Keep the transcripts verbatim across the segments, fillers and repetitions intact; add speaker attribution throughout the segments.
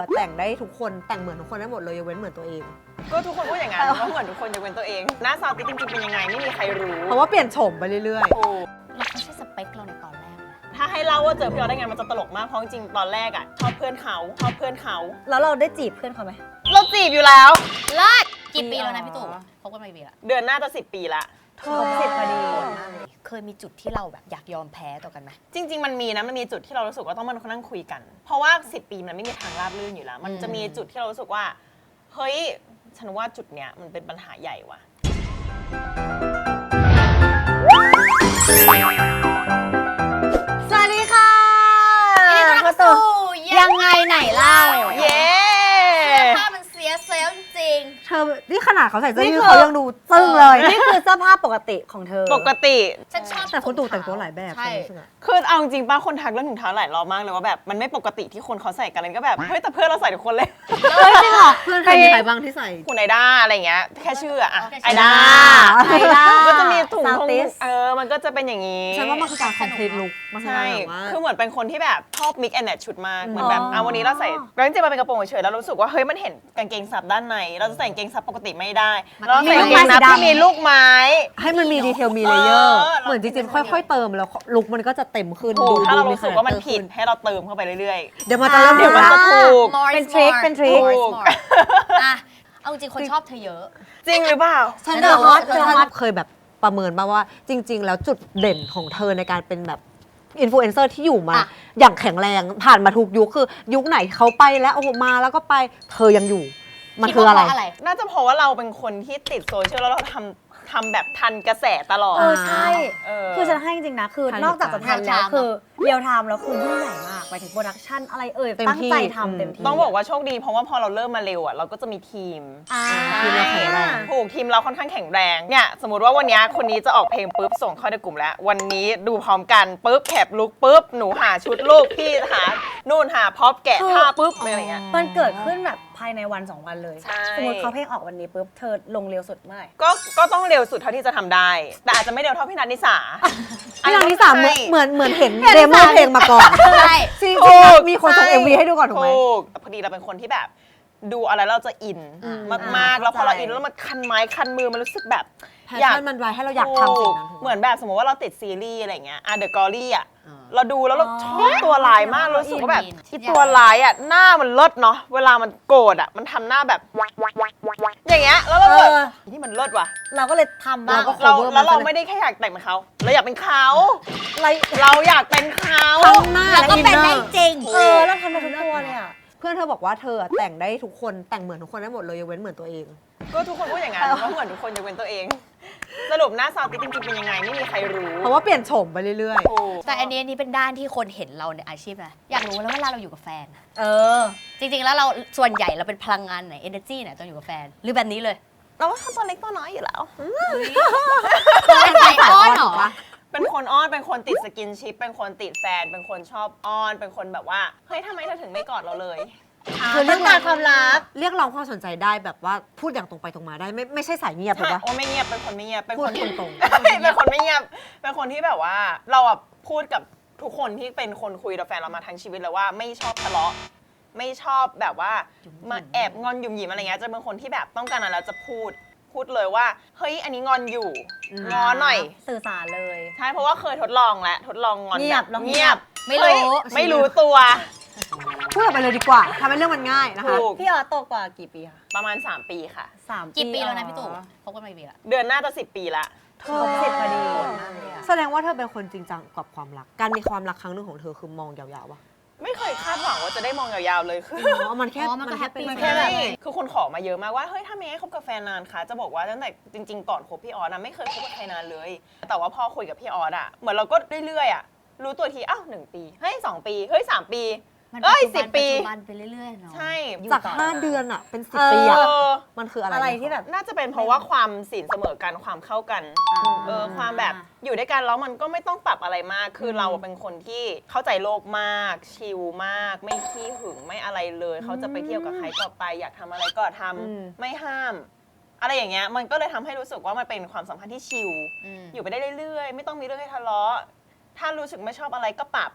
Speaker 1: แต่งได้ทุกคนแต่งเหมือนทุกคนได้หมดเลยยกเว้นเหมือนตัวเอง
Speaker 2: ก็ทุกคนพูดอย่างนั้นว่าเหมือนทุกคนยกเว้นตัวเองหน้าซาวติจริงๆเป็นยังไงไม่มีใครรู้
Speaker 1: เพราะว่าเปลี่ยนโฉมไปเรื่อย
Speaker 2: ๆถูก
Speaker 3: เราไม่ใช่สเปคเราในตอนแรกนะ
Speaker 2: ถ้าให้เล่าว่าเจอพี่ออสได้ไงมันจะตลกมากเพราะจริงๆตอนแรกอ่ะชอบเพื่อนเขาชอบเพื่อนเขา
Speaker 4: แล้วเราได้จีบเพื่อนเขาไหม
Speaker 2: เราจีบอยู่แล้ว
Speaker 3: เลิศกี่ปีแล้วนะพี่ตู่คบกันมากี่ปีละ
Speaker 2: เดือนหน้าจะสิบปีละ
Speaker 4: ครบสิบพอดี
Speaker 3: เคยมีจุดที่เราแบบอยากยอมแพ้ต่อกันไหม
Speaker 2: จริงๆมันมีนะมันมีจุดที่เรารู้สึกว่าต้องมานั่งคุยกันเพราะว่าสิบปีมันไม่มีทางราบรื่นอยู่แล้วมันจะมีจุดที่เรารู้สึกว่าเฮ้ยฉันว่าจุดเนี้ยมันเป็นปัญหาใหญ่ว่ะ
Speaker 4: สวัสดีค่ะ
Speaker 3: นี่ต้อนรับสู่ยังไงไหนเล่า
Speaker 2: เย้
Speaker 3: ภาพมันเสียเซลล์จริง
Speaker 1: เธอนี่ขนาดเขาใส่เสื้อยืดเขายังดูตึ้งเลย
Speaker 4: นี่คือเสื้อผ้าปกติของเธอ
Speaker 2: ปกติ
Speaker 3: ฉันชอบ
Speaker 1: แต่คนตู่แต่งตัวหลายแบบ
Speaker 2: คือเอาจริงป้าคนทักเรื่องถุงเท้าหลายรอบมากเลยว่าแบบมันไม่ปกติที่คนเขาใส่กันเลยก็แบบเฮ้ยแต่เพื่อนเราใส่ทุกคนเลย
Speaker 1: เฮ้ยจริงเหรอเพื่อนใครมีใครบ้างที่ใส่
Speaker 2: คุณไอด้าอะไรเงี้ยแค่ชื่ออะไอด้า
Speaker 4: ไอด้า
Speaker 2: ก็จะมีถุงทงเออมันก็จะเป็นอย่างนี้
Speaker 1: ฉันว่ามันคือการคอมพลีทลุค
Speaker 2: ใช่คือเหมือนเป็นคนที่แบบชอบมิกแอนด์แมทชุดมากเหมือนแบบอ่ะวันนี้เราใส่แล้วจริงๆมันเป็นกระโปรงเฉยๆแล้วรู้สึกว่าเฮ้ยมันเห็นกางเกงซับด้านในเราจะใส่กางเกงซับปกติไม่ได้เราใส่กางเกงซับที่มีลูกไม้
Speaker 1: ให้มันมีดีเทลมีเลเยอร์เหมือนจริงๆค่อยๆเติมแล้วลุคมันก็จะเต็มขึ้น
Speaker 2: ดูถ้าเรารู้สึกว่ามันผิดให้เราเติมเข้าไปเรื่อย
Speaker 1: ๆเดี๋ยวมันจะเริ่ม
Speaker 2: เดี๋ยวมันจะถูก
Speaker 4: เป็นทริคเป็นทริค
Speaker 3: อ่ะเอาจริงคนชอบเธอเยอะ
Speaker 2: จริงหรือเปล่า
Speaker 1: ฉันเดอะฮอตเดอะฮอตเคยแบบประเมินป่าว่าจริงๆแล้วจุดเด่นของเธอในการเป็นแบบอินฟลูเอนเซอร์ที่อยู่มาอย่างแข็งแรงผ่านมาทุกยุคคือยุคไหนเขาไปแล้วโอ้โหมาแล้วก็ไปเธอยังอยู่มันคืออะไร
Speaker 2: น่าจะเพราะว่าเราเป็นคนที่ติดโซเชียลแล้วเราทำทำแบบทันกระแสตลอด
Speaker 4: เออใช่คือฉันให้จริงๆนะคือนอกจากจะทันแล้วคือเรียลไทม์แล้วคือยิ่งใหญ่มากไปถึงโปรดักชั่นอะไรเอ่ยตั้งใจทำเต็มที่
Speaker 2: ต้องบอกว่าโชคดีเพราะว่าพอเราเริ่มมาเร็วอ่ะเราก็จะมีทีม
Speaker 1: ทีมเราแข็งแรง
Speaker 2: ถูกทีมเราค่อนข้างแข็งแรงเนี่ยสมมติว่าวันนี้คนนี้จะออกเพลงปุ๊บส่งเข้าในกลุ่มแล้ววันนี้ดูพร้อมกันปุ๊บแคปลุกปุ๊บหนูหาชุดลูกพี่หานู่นหาพร็อพแกะท่าปุ๊บอะไรอย่างเงี้ย
Speaker 4: มันเกิดขึ้นแบบภายในวันสองวันเลยสมมติเขาเพลงออกวันนี้ปุ๊บเธอลงเร็วสุดเมื่อไหร่
Speaker 2: ก็ก็ต้องเร็วสุดเท่าที่จะทำได้แต่อาจจะไม่เร็วเท่าพี่นัทนิสา
Speaker 1: พี่นัทนิสาเหมือนเหมือนเหมือนเห็นเดโมเพลงมาก่อน
Speaker 3: ใช่
Speaker 1: จริงๆมีคนส่ง เอ็ม วี ให้ดูก่อนถูกไหม
Speaker 2: พอดีเราเป็นคนที่แบบดูอะไรเราจะอินมากๆแล้วพอเราอินแล้วมันคันไม้คันมือมันรู้สึกแบบ
Speaker 1: อยากมันไว้ให้เราอยากทำสิ่งนั้น
Speaker 2: เหมือนแบบสมมติว่าเราติดซีรีส์อะไรเงี้ยอ่ะเดอะกอรี่อ่ะเราดูแล้วเราชอบตัวร้ายมากรู้สึกว่าแบบที่ตัวร้ายอ่ะหน้ามันเลิศเนาะเวลามันโกรธอ่ะมันทำหน้าแบบอย่างเงี้ยแล้วเราแบบที่มันเลิศว่ะ
Speaker 4: เราก็เลยทำบ้าง
Speaker 2: เราแล้วเราไม่ได้แค่อยากแต่งเป็นเขาเราอยากเป็นเขาเราอยากเป็นเขา
Speaker 1: ทั้งหน้าและ
Speaker 3: อินเนอร์จริง
Speaker 4: เออแล้วทำไปทุกตัวเลยอ่ะ
Speaker 1: เพื่อนเธอบอกว่าเธอแต่งได้ทุกคนแต่งเหมือนทุกคนได้หมดเลยยกเว้นเหมือนตัวเอง
Speaker 2: ก็ทุกคนพูดอย่างนั้นว่าเหมือนทุกคนยกเว้นตัวเองสรุปหน้าซาวติจริงๆเป็นยังไงไม่มีใครรู้
Speaker 1: เพราะว่าเปลี่ยนโฉมไปเรื่อย
Speaker 3: ๆแต่อันนี้อันนี้เป็นด้านที่คนเห็นเราในอาชีพนะอยากรู้แล้วเวลาเราอยู่กับแฟน
Speaker 4: เออ
Speaker 3: จริงๆแล้วเราส่วนใหญ่เราเป็นพลังงานไหน energy ไหนตอนอยู่กับแฟนหรือแบบนี้เลย
Speaker 2: เราว่าตัวเล็กตัวน้อยอยู่แล้ว
Speaker 3: เป็นใจอ้อนเหรอ
Speaker 2: เป็นคนอ้อนเป็นคนติดสกินชิปเป็นคนติดแฟนเป็นคนชอบอ้อนเป็นคนแบบว่าเฮ้ยทำไมเธอถึงไม่กอดเราเลย
Speaker 4: คือเรื่องการความรัก
Speaker 1: เรียกร้องความสนใจได้แบบว่าพูดอย่างตรงไปตรงมาได้ไม่ไม่ใช่สายเงียบถูกปะ
Speaker 2: โอ้ไม่เงียบเป็นคนไม่เงียบเป็นคน
Speaker 1: ตรง
Speaker 2: ๆเป็นคนไม่เงียบเป็นคนที่แบบว่าเราอ่ะพูดกับทุกคนที่เป็นคนคุยกับแฟนเรามาทั้งชีวิตเลยว่าไม่ชอบทะเลาะไม่ชอบแบบว่ามาแอบงอนหยุ่มหยิมอะไรเงี้ยจะเป็นคนที่แบบต้องการอะไรแล้วจะพูดพูดเลยว่าเฮ้ยอันนี้งอนอยู่งอหน่อย
Speaker 4: สื่อสารเลย
Speaker 2: ใช่เพราะว่าเคยทดลองแล้วทดลองงอน
Speaker 4: เงียบ
Speaker 2: เงียบ
Speaker 3: ไม่รู้
Speaker 2: ไม่รู้ตัว
Speaker 1: พูดออกไปเลยดีกว่าทำให้เรื่องมันง่ายนะคะ
Speaker 4: พี่ออสโตกว่ากี่ปีคะ
Speaker 2: ประมาณสามปีค่ะ
Speaker 4: สาม
Speaker 3: กี่ปีแล้วนะพี่ตู่คบกันมากี่ปีละ
Speaker 2: เดือนหน้าจะสิบปีละ
Speaker 4: ครบสิบพอดี
Speaker 1: แสดงว่าเธอเป็นคนจริงจังกับความรักการมีความรักครั้งหนึ่งของเธอคือมองยาวๆวะ
Speaker 2: ไม่เคยคาดหวังว่าจะได้มองยาวๆเลยคือ
Speaker 1: มันแค่
Speaker 3: มันแค่เป็น
Speaker 2: แค่นั้นคือคนขอมาเยอะมากว่าเฮ้ยถ้าเมย์ให้คบกับแฟนนานคะจะบอกว่าตั้งแต่จริงๆก่อนคบพี่ออสนะไม่เคยคบกับใครนานเลยแต่ว่าพอคุยกับพี่ออสอะเหมือนเราก็เรื่อยๆอะรู้ตัวทีอ้าวหนึ่งปีเฮ้ยสองปีเฮ้ยสามปีเอ้ยสิบปี
Speaker 3: ไปเรื่อยๆเนาะ
Speaker 2: ใช่
Speaker 1: จากห้าเดือนอะเป็นสิบปีอะมันคืออะไร
Speaker 4: อะไรที่แบบ
Speaker 2: น่าจะเป็นเพราะว่าความสินเสมอกันความเข้ากันเออความแบบอยู่ด้วยกันแล้วมันก็ไม่ต้องปรับอะไรมากคือเราเป็นคนที่เข้าใจโลกมากชิลมากไม่ขี้หึงไม่อะไรเลยเขาจะไปเที่ยวกับใครก็ไปอยากทำอะไรก็ทำไม่ห้ามอะไรอย่างเงี้ยมันก็เลยทำให้รู้สึกว่ามันเป็นความสัมพันธ์ที่ชิลอยู่ไปได้เรื่อยๆไม่ต้องมีเรื่องให้ทะเลาะถ้ารู้สึกไม่ชอบอะไรก็ปรับ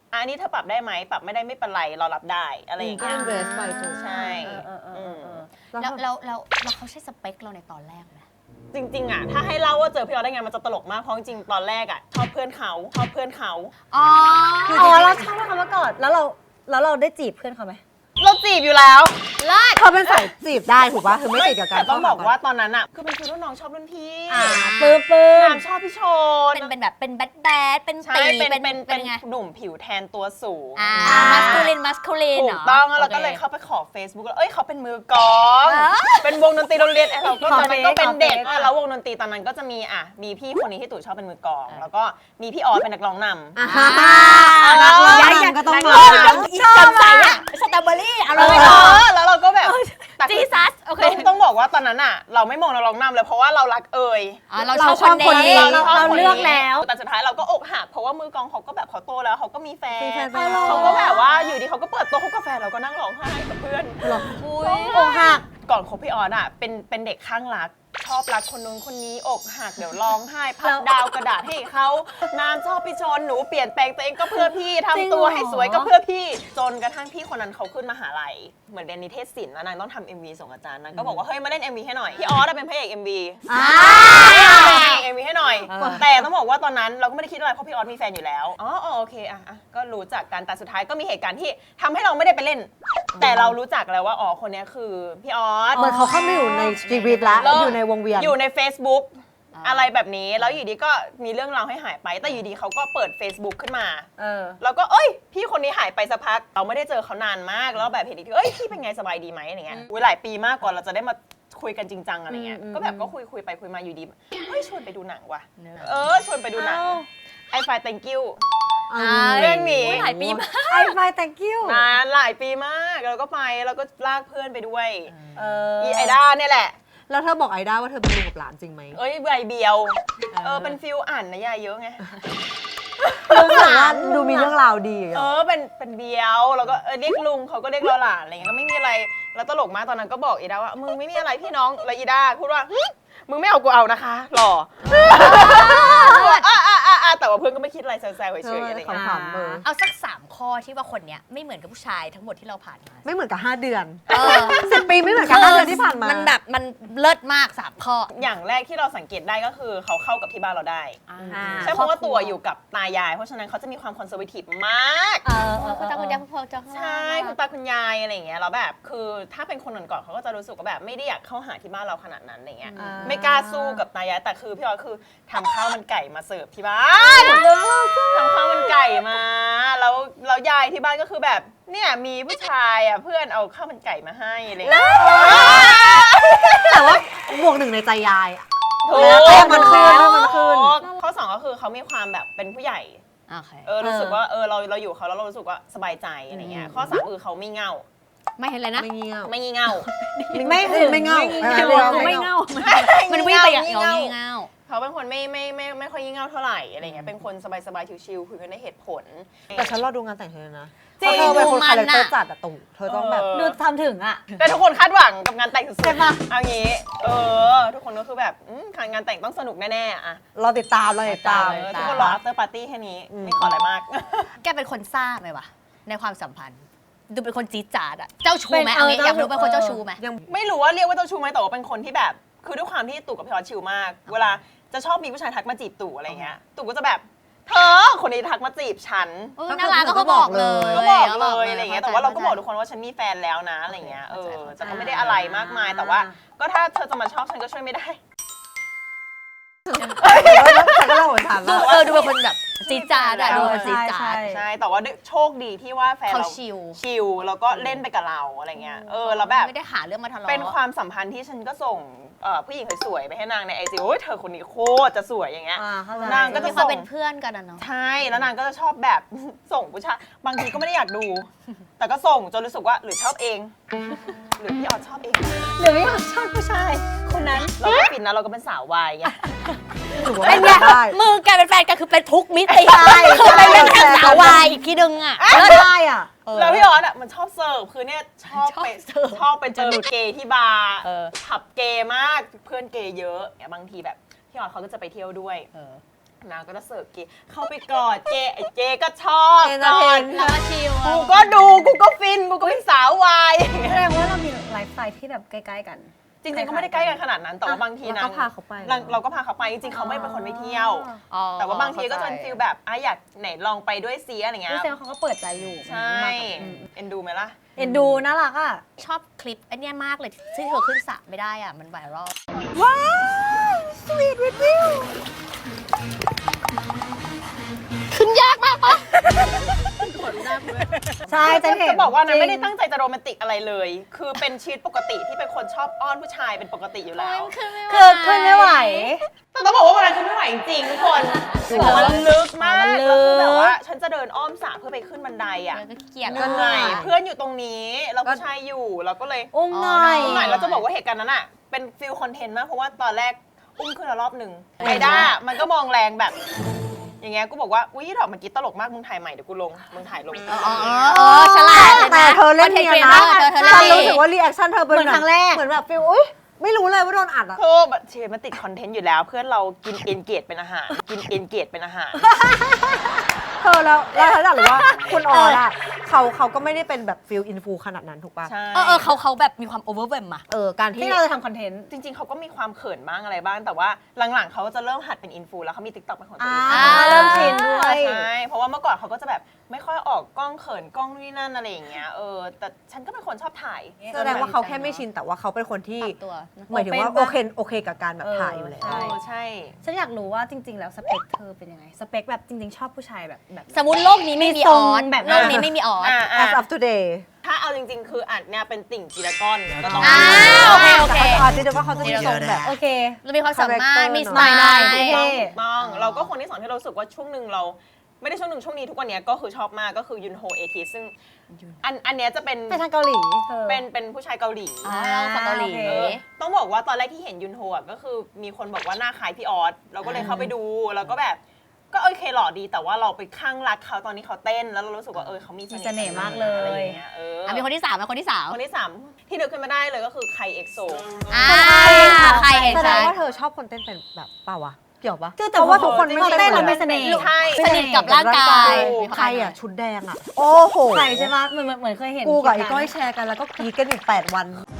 Speaker 2: อันนี้เธอปรับได้ไหมปรับไม่ได้ไม่เป็นไรเรารับได้อะไรอย่าง
Speaker 1: ก็
Speaker 2: เงี้ย
Speaker 1: embrace ไปจน
Speaker 2: ใช่
Speaker 4: เออเออเออเออ
Speaker 3: แล้วแล้วแล้วแล้วเขาใช่สเปคเราในตอนแรกไหม
Speaker 2: จริงๆอ่ะถ้าให้เล่าว่าเจอพี่ออสได้ไงมันจะตลกมากเพราะจริงๆตอนแรกอ่ะชอบเพื่อนเขาชอบเพื่อนเขา
Speaker 3: อ๋อ
Speaker 4: อ๋อเราชอบเขามาก่อนแล้วเราแล้วเราได้จีบเพื่อนเขาไหม
Speaker 2: เราจีบอยู่แล้ว
Speaker 3: เลิศ
Speaker 1: เขาเป็นสายจีบได้ถูกป่ะคือไม่ติดกับการ
Speaker 2: แต่ต้องบอก
Speaker 1: เข้ห
Speaker 2: ว่าตอนนั้นอ่ะคือเป็นคือรุ่นน้องชอบรุ่นพี่
Speaker 4: อ่าปื้มปื้ม
Speaker 2: น้ำชอบพี่ชน
Speaker 3: เป็นเป็นแบบเป็นแบดแบดเป็น
Speaker 2: ใช่
Speaker 3: ตี
Speaker 2: เป็น
Speaker 3: เป็น
Speaker 2: เป็น
Speaker 3: เป็
Speaker 2: เป็น น
Speaker 3: ไง
Speaker 2: หนุ่มผิวแทนตัวสูง
Speaker 3: อ่ามัสคูลินมัสคูลิน
Speaker 2: ถู
Speaker 3: เหร
Speaker 2: ก
Speaker 3: อ
Speaker 2: ต้องแล้วเราก็
Speaker 3: โอค
Speaker 2: เลยเข้าไปขอ Facebook แล้วเอ้ยเขาเป็นมือกลอง
Speaker 3: อ่า
Speaker 2: เป็นวงดนตรีโรงเรียนไอ้เราก็ตอนนั้นก็เป็นเด็ก
Speaker 4: ขอเฟซ
Speaker 2: อ่ะแล้ววงดนตรีตอนนั้นก็จะมีอ่ะมีพี่คนนี้ที่ตู่ชอบเป็นมือกลอง แล้วก็มีพี่ออสเป็นนักร้องนำ
Speaker 1: อ่า
Speaker 3: อ่า
Speaker 1: นักร้อง
Speaker 3: ย้าย
Speaker 1: นำก็ต้อง
Speaker 3: นั
Speaker 1: มา
Speaker 3: ร้องอีกจำใส่อะสตรอเบอรี่อะไร
Speaker 2: เอ
Speaker 3: เนาะ
Speaker 2: อแล้วเราก็แบบแต่
Speaker 3: จีซัสโอเค
Speaker 2: ต้องต้องบอกว่าตอนนั้นอ่ะ เราไม่มองนักร้องนำเลยเพราะว่าเรารักเอ่ย
Speaker 3: อ่าเรา
Speaker 1: เรา
Speaker 3: ชอบ
Speaker 1: ชอบ
Speaker 3: ค
Speaker 1: คน นนี้
Speaker 3: นี้
Speaker 2: เราชอบ
Speaker 4: เรา
Speaker 2: คน
Speaker 4: เลื
Speaker 2: นี้
Speaker 4: อกแล้ว
Speaker 2: แต่สุดท้ายเราก็อกหักเพราะว่ามือกลองเขาก็แบบเขาโตแล้วเขาก็มีแฟน
Speaker 1: มีแฟนไปแล้ว
Speaker 2: เขาก็แบบว่าอยู่ดีเขาก็เปิดตัวเขากาแฟนเราก็นั่งร้องไห้กับเพื่อน
Speaker 3: อุ้ย
Speaker 4: อกหัก
Speaker 2: ก่อนคบพี่ออนอ่ะเป็นเป็นเด็กข้างรัก ชอบรักคนนู้นคนนี้อกหักเดี๋ยวร้องไห้พับดาวกระดาษให้เขาน้ำชอบพี่ชนหนูเปลี่ยนแปลงตัวเองก็เพื่อพี่ทำตัวให้สวยก็เพื่อพี่จนกระทั่งพี่คนนั้นเขาขึ้นมหาลัยเหมือนเรียนนิเทศศิลป์แล้วนางต้องทำ เอ็ม วี ส่งอาจารย์นางก็บอกว่าเฮ้ยมาเล่น เอ็ม วี ให้หน่อยพี่ออสเป็นพระเอก เอ็ม วี
Speaker 1: อ่า
Speaker 2: เอ็ม วี ให้หน่อย
Speaker 1: อ่า
Speaker 2: แต่ต้องบอกว่าตอนนั้นเราก็ไม่ได้คิดอะไรเพราะพี่ออสมีแฟนอยู่แล้วอ๋ออ๋อโอเคอ่ะอ่ะก็รู้จักกันแต่สุดท้ายก็มีเหตุการณ์ที่ทำให้เราไม่ได้ไปเล่น แต่เรารู้จักแล้วว่าอ๋อคนเนี้ยคือพี่ออส
Speaker 1: เหมือนเขาเข้ามาอยู่ในชีวิตแล้วอยู่ในวงเวียน
Speaker 2: อยู่ใน Facebook อะไรแบบนี้แล้วอยู่ดีก็มีเรื่องราวให้หายไป แต่อยู่ดีเขาก็เปิด Facebook ขึ้นมา
Speaker 4: เออ
Speaker 2: แล้วก็เอ้ยพี่คนนี้หายไปสักพักเราไม่ได้เจอเขานานมากแล้วแบบเห็นอีกทีเอ้ยพี่เป็นไงสบายดีไหมอะไรเงี้ยอุ้ยหลายปีมากกว่าเราจะได้มาคุยกันจริงจังอะไรเงี้ย
Speaker 1: อืม
Speaker 2: ก็แบบก็คุยคุยไปคุยมาอยู่ดีเฮ้ยชวนไปดูหนังว่ะเออชวนไปดูหนัง
Speaker 4: เอ้า
Speaker 2: ไอไฟ thank you
Speaker 1: อ่า
Speaker 2: เรื่องนี้
Speaker 3: ยหลายปีมาก
Speaker 4: ไอไฟ thank you
Speaker 2: นานหลายปีมากแล้วก็ไปแล้วก็ลากเพื่อนไปด้วย
Speaker 4: เออ
Speaker 2: อีไอด้าเนี่ยแหละ
Speaker 1: แล้วเธอบอกไอด้าว่าเธอเป็นลุงกับหลานจริงไหม
Speaker 2: เอ้ยใบเบียวเออเป็นฟิลอ่านนะยายเยอะไง
Speaker 1: ลุงหลานดูมีเรื่องราวดีอย่าง
Speaker 2: เอ
Speaker 1: เงี้ย
Speaker 2: อเป็นเป็นเบียวแล้วก็เออเรียกลุงเขาก็เรียกเราหลานอะไรเงี้ยก็ไม่มีอะไรแล้วตลกมากตอนนั้นก็บอกอีด้าว่ามึงไม่มีอะไรพี่น้องแล้วอีด้าพูดว่าหึมึงไม่เอากูเอานะคะหล่ออ่ะอ่ะอ่ะอ่ะแต่ว่าเพื่อนก็ไม่คิดอะไรแซวๆเฉยๆอะไรเงี้ย
Speaker 1: ขำๆเออ
Speaker 3: เอาสักสามข้อที่ว่าคนเนี้ยไม่เหมือนกับผู้ชายทั้งหมดที่เราผ่านมา
Speaker 1: ไม่เหมือนกับห้าเดือน
Speaker 3: เออ
Speaker 1: สิบปีไม่เหมือนกับห้าเดือนที่ผ่านมา
Speaker 3: มันแบบมันเลิศมากสามข้อ
Speaker 2: อย่างแรกที่เราสังเกตได้ก็คือเขาเข้ากับที่บ้านเราได้
Speaker 4: อ่า
Speaker 2: ใช่เพราะว่าตัวอยู่กับตายาย เพราะฉะนั้นเขาจะมีความคอนเซอร์เวทีฟมาก
Speaker 4: เออเออ
Speaker 3: คุณตาคุณยายคุณพ่อเจ้า
Speaker 2: ใช่คุณตาคุณยายอะไรอย่างเงี้ยแล้วแบบคือถ้าเป็นคนก่อนๆเขาก็จะรู้สึกว่าแบบไม่ได้อยากเข้าหาที่บ้านเราขนาดนั้นอะไรเงี้ย
Speaker 4: อ่า
Speaker 2: ไม่กล้าสู้กับตายายแต่คือพี่ออยคือทำข้าวมันไก่มาเสิร์ฟที่บ้านทำข้าวมันไก่มาแล้วแล้วยายที่บ้านก็คือแบบเนี่ยมีผู้ชายอ่ะเพื่อนเอาข้าวมันไก่มาให้อะไรเงี้ย
Speaker 1: แต่ว่าบวกหนึ่งในใจยายอะ
Speaker 2: ถู
Speaker 1: แต้
Speaker 2: ก
Speaker 1: มมันขึ้นแต้มมันขึ้น
Speaker 2: ข้อสองก็คือเขามีความแบบเป็นผู้ใหญ่
Speaker 3: โอเค
Speaker 2: เออรู้สึกว่าเออเราเราอยู่กับเขาแล้วเรารู้สึกว่าสบายใจอะไรเงี้ยข้อสามคือเขาไม่เง่า
Speaker 3: ไม่เห็นเลยนะ
Speaker 1: ไม่เงียบ
Speaker 2: ไม่งี่เง่า
Speaker 1: ไม่คือไม่เง่า
Speaker 3: ไม่เง่าไม่เง่ามันวิ่งไปอย่างเงาเงา
Speaker 2: เขาเป็นคนไม่ไม่ไม่ไม่ค่อยงี่เง่าเท่าไหร่อะไรเงี้ยเป็นคนสบายสบายๆชิวๆคุยกันได้เหตุผล
Speaker 1: แต่ฉันรอดูงานแต่งเธอนะ
Speaker 2: จริง
Speaker 1: เพราะเธอเป็นคน
Speaker 3: ดูมัน
Speaker 1: คาแรคเตอร์
Speaker 3: อะ
Speaker 1: จัดอะตู่เธอต้องแบบ
Speaker 2: เออ
Speaker 4: ดูทำถึงอ่ะ
Speaker 2: แต่ทุกคนคาดหวังกับงานแต่งสุด
Speaker 4: ใช่ปะ
Speaker 2: ๆเอางี้เออทุกคนก็คือแบบอืมงานแต่งต้องสนุกแน่ๆอะ
Speaker 1: รอติดตามรอติดตาม
Speaker 2: เออทุกคนรอ after party แค่นี้ไม่ขออะไรมาก
Speaker 3: แกเป็นคนซ่าไหมวะในความสัมพันธ์ ดูเป็นคนจี๊ดจ๊าดอะเจ้าชู้ไหม
Speaker 4: เป็น
Speaker 3: เอางี้
Speaker 4: เออ
Speaker 3: อยากรู้
Speaker 4: เจ้าชู้
Speaker 3: เป็นคนเจ้าชู้ไหม
Speaker 1: ยัง
Speaker 2: ไม่รู้ว่าเรียกว่าเจ้าชู้ไหมแต่ว่าเป็นคนที่แบบ คือด้วยความที่ตู่กับพี่ออสชิลมาก เวลาจะชอบมีผู้ชายทักมาจีบตู่อะไรเงี้ยตู่ก็จะแบบเธอคนนี้ทักมาจีบฉัน
Speaker 3: เออน่ารักก็เขาบอกเลย
Speaker 2: ก็บอกเลยอะไรเงี้ยแต่ว่าเราก็บอกทุกคนว่าฉันมีแฟนแล้วนะอะไรเงี้ยเออแต่ก็ไม่ได้อะไรมากมายแต่ว่า ก็ถ้าเธอจะมาชอบฉันก็ช่วยไม่ได้
Speaker 1: ฉันก็เล่าเหมือนฉัน
Speaker 3: ดู
Speaker 1: แล้ว
Speaker 3: เออดูเป็นคนแบบจี๊ดจ๊าดอะดูเป็นคนจี๊ดจ๊า
Speaker 4: ใช่
Speaker 3: ด
Speaker 4: ใช่
Speaker 2: ใช่แต่ว่าโชคดีที่ว่าแฟน
Speaker 3: เขา
Speaker 2: เรา
Speaker 3: ชิล
Speaker 2: ชิลแล้วก็เล่นไปกับเราอะไรเงี้ยเออแล้วแบบ
Speaker 3: ไม่ได้หาเรื่องมาทะเลาะ
Speaker 2: เป็นความสัมพันธ์ที่ฉันก็ส่งเอ่อผู้หญิงสวยๆไปให้นางในไอจีโอ้ยเธอคนนี้โคตรจะสวยอย่างเงี้ย
Speaker 4: อ่าเข้าใจ
Speaker 2: นางก็
Speaker 3: ก็
Speaker 2: จะ
Speaker 3: มีความเป็นเพื่อนกันอะเนาะ
Speaker 2: ใช่แล้วนางก็จะชอบแบบ ส่งผู้ชายบางทีก็ไม่ได้อยากดู แต่ก็ส่งจนรู้สึกว่าหรือชอบเอง หรือพี่ออสชอบเอง
Speaker 4: หรือไม่อยากชอบผู้ชายคนนั้น
Speaker 2: เราก็ฟินนะเราก็เป็นสาววายไง
Speaker 1: ถือว่า
Speaker 3: เป็นไง
Speaker 1: ได้
Speaker 3: มือแกเป็นแฟนกันคือเป็นทุกมิติ
Speaker 1: ใช่
Speaker 3: คือเป็นเรื่อง
Speaker 1: ใช่
Speaker 3: ทางสาววายอีกทีนึงอะ
Speaker 4: ก็ได้อ่ะ
Speaker 3: เออ
Speaker 2: แล้วพี่ออสอ่ะมันชอบเสิร์ฟคือเนี่ยชอบไป
Speaker 3: ชอบเสิร์ฟ
Speaker 2: ชอบไปเจอเกย์ที่บาร์
Speaker 3: เออ
Speaker 2: ผับเกย์มากเพื่อนเกย์เยอะเนี่ยบางทีแบบพี่ออสเขาก็จะไปเที่ยวด้วย
Speaker 3: เออ
Speaker 2: นางก็จะเสิร์ฟเกย์เข้าไปกอดเจไอ้เจก็ชอบ
Speaker 1: เอน
Speaker 2: ก
Speaker 1: เตอร์
Speaker 2: อ
Speaker 1: เท
Speaker 2: ด
Speaker 1: น
Speaker 3: แล้วก็ชิล
Speaker 2: กูก็ดูกูก็ฟินกูก็เป็นสาววาย
Speaker 4: แสดงว่าเรามีไลฟ์สไตล์ที่แบบใกล้ๆกัน
Speaker 2: จริงๆก็ไม่ได้ใกล้กันขนาดนั้นแต่ว่าบางที
Speaker 1: เรา
Speaker 2: นะ
Speaker 1: ก็พาเขาไป
Speaker 2: เราเราก็พาเขาไปจริงๆเขาไม่เป็นคนไม่เที่ยว
Speaker 3: อ๋อ
Speaker 2: แต่ว่าบางทีก็จะเป็นฟิลแบบอ่ะอยากไหนลองไปด้วยซีอะไรเงี้ย
Speaker 4: นี่แสดงว่าเขาก็เปิดใจอยู่
Speaker 2: ใช่
Speaker 4: มากับอืม
Speaker 2: เอ็นดูไหมล่ะ
Speaker 4: เอ็นดูน่ารักอ่ะ
Speaker 3: ชอบคลิปไอันเนี้ยมากเลยที่เธอขึ้นสระไม่ได้อ่ะ มันไวรัล
Speaker 4: ว้าวสวีทวิดวิว
Speaker 3: ขึ้นยากมากปะ
Speaker 4: ใช่จะเห็น
Speaker 2: จะบอกว่านะ
Speaker 4: จริง
Speaker 2: ไม่ได้ตั้งใจจะโรแมนติกอะไรเลย คือเป็นชีวิตปกติที่เป็นคนชอบอ้อนผู้ชายเป็นปกติอยู่แล้ว
Speaker 4: คือขึ้นไม่ไหว
Speaker 2: แต่ต้องบอกว่าวันนั้นคือไม่ไหวจริงๆทุกคนมันลึกมาก
Speaker 4: มันลึ
Speaker 2: แล้ว
Speaker 4: ก
Speaker 2: คือแบบว่าฉันจะเดินอ้อมสระเพื่อไปขึ้นบันไดอ่ะ
Speaker 3: แล้วก็เกลียด
Speaker 2: เหนื่อยเพื่อนอยู่ตรงนี้แล้วผู้ชายอยู่เราก็เลย
Speaker 4: อุ้มหน่อย
Speaker 2: อุ้มหน่อยเราจะบอกว่าเหตุการณ์นั้นอ่ะเป็นฟิลคอนเทนต์มากเพราะว่าตอนแรกอุ้มขึ้นแล้วรอบหนึ่งไอด้ามันก็มองแรงแบบ อย่างเงี้ยกูบอกว่าอุ้ยดอกเมื่อกี้ตลกมากมึงถ่ายใหม่เดี๋ยวกูลงมึงถ่ายลง
Speaker 3: อ๋ออ๋อฉลาดเลยนะ
Speaker 1: แต่เธอเล่นเนียนนะ
Speaker 3: เธอเธอ
Speaker 1: ฉัน
Speaker 3: เล่น
Speaker 1: รู้สึกว่ารีแอคชั่นเธอเป็น
Speaker 4: เหมือนครั้งแรก
Speaker 1: เหมือนแบบฟิลอุ้ยไม่รู้เลยว่าโดนอัดอะ
Speaker 2: โธ่แบบเชฟมันติดคอนเทนต์อยู่แล้ว เพื่อนเรากินเอนเกจเป็นอาหาร กินเอนเกจเป็นอาหาร
Speaker 1: เธอแล้วแล้วเธออยากรู้ว่าคุณออสอะเขาเขาก็ไม่ได้เป็นแบบฟิลอินฟูขนาดนั้นถูกป่ะ
Speaker 2: ใช่
Speaker 3: เออเออเขาเขาแบบมีความโอเวอร์เวมอะ
Speaker 1: เออการที่
Speaker 4: ที่เราจะทำคอนเทนต์
Speaker 2: จริงๆ เขาก็มีความเขินบ้างอะไรบ้าง แต่ว่าหลังๆ เขาจะเริ่มหัดเป็นอินฟูแล้วเขามีติ๊กต็อกเป็นของตัว
Speaker 4: อ่า
Speaker 2: เอง
Speaker 4: เริ่มชินด้วย
Speaker 2: ใช่ เพราะว่าเมื่อก่อนเขาก็จะแบบไม่ค่อยออกกล้องเขินกล้องนี่นั่นอะไรอย่างเงี้ย เออ แต่ฉันก็เป็นคนชอบถ่าย
Speaker 1: แสดงว่าเขาแค่ไม่ชินแต่ว่าเขาเป็นคนที่
Speaker 3: ปรับตัวนะ
Speaker 1: หมายถึงว่า
Speaker 4: โอ
Speaker 1: โอ
Speaker 4: เค
Speaker 1: เคโอเคกับการแบบถ่ายอยู่แล้ว
Speaker 2: ใช่ใช่
Speaker 4: ฉันอยากรู้ว่าจริง ๆ แล้วสเปคเธอเป็นยังไง สเปคแบบจริง ๆ ชอบผู้ชายแบบแบบ
Speaker 3: สมมติโลกนี้ไม่มี
Speaker 4: ท
Speaker 3: อ
Speaker 4: ร
Speaker 3: อง ส
Speaker 4: แบบ
Speaker 3: โลกนี้ไม่มีออส
Speaker 2: อ่า
Speaker 1: as of today
Speaker 2: ถ้าเอาจริงๆ คืออัดเนี่ยเป็นติ่งจีรากอนก็ต้อง
Speaker 3: อ่าโอเคโอเค
Speaker 1: แต่เขาจะเดี๋ยวว่าเขาจะมีทรงแบบ
Speaker 4: โอเค
Speaker 3: เรามีความสามารถ มีสไต
Speaker 4: ได้
Speaker 3: ล์
Speaker 4: โอเค
Speaker 2: ต้องเราก็คนที่สองที่เรารู้สึกว่าช่วงหนึ่งเรา ไม่ได้ช่วงหนึ่งช่วงนี้ทุกวันเนี้ยก็คือชอบมากก็คือยุนโฮเอทีซึ่งอันอันเนี้ยจะเป็น
Speaker 4: ไปทางเกาหลีเธอ
Speaker 2: เป็นเป็นผู้ชายเกาหลี
Speaker 3: อ๋อเราฝั่งเกาหลี
Speaker 4: โอเค
Speaker 2: เออต้องบอกว่าตอนแรกที่เห็นยุนโฮอ่ะก็คือมีคนบอกว่าหน้าคล้ายพี่ออสเราก็เลยเข้าไปดูแล้วก็แบบก็โอเคหล่อดีแต่ว่าเราไปข้างรักเขาตอนนี้เขาเต้นแล้วเรารู้สึกว่าเออเขามี
Speaker 4: มีเสน่ห์มากเลย
Speaker 2: อะไรอย่างเงี้ยเออ
Speaker 3: อ่ะมีคนที่สามแล้วคนที่สาม
Speaker 2: คนที่สามที่นึกขึ้นมาได้เลยก็คือไคเอ็กโซ
Speaker 3: อ่าใครเห็น
Speaker 1: แสด
Speaker 3: ชั
Speaker 1: ง
Speaker 3: ด
Speaker 1: ว่าเธอชอบคนเต้นเป็นแบบเปล่าวะเกี่ยวปะ
Speaker 4: คือแต่
Speaker 1: เพราะว่าทุกคน
Speaker 4: พ
Speaker 1: ไม่
Speaker 4: อ
Speaker 1: เต้น
Speaker 4: เต้น
Speaker 1: เหมื
Speaker 4: แล้
Speaker 1: อ
Speaker 4: วน มีเสน่ห์
Speaker 3: ใช่
Speaker 4: มี
Speaker 3: ส
Speaker 4: เห์
Speaker 3: นิทกับร่างกาย
Speaker 1: ใครอะชุดแดงอะโอ้โห
Speaker 4: ใครใช่ปะเหมือนเหมือนเหมือนเคยเห็น
Speaker 1: กูกับไอ้
Speaker 4: คลิป
Speaker 1: ก้อย
Speaker 4: นั้น
Speaker 1: แชร์กันแล้วก็กรีดกันอยู่แปดวัน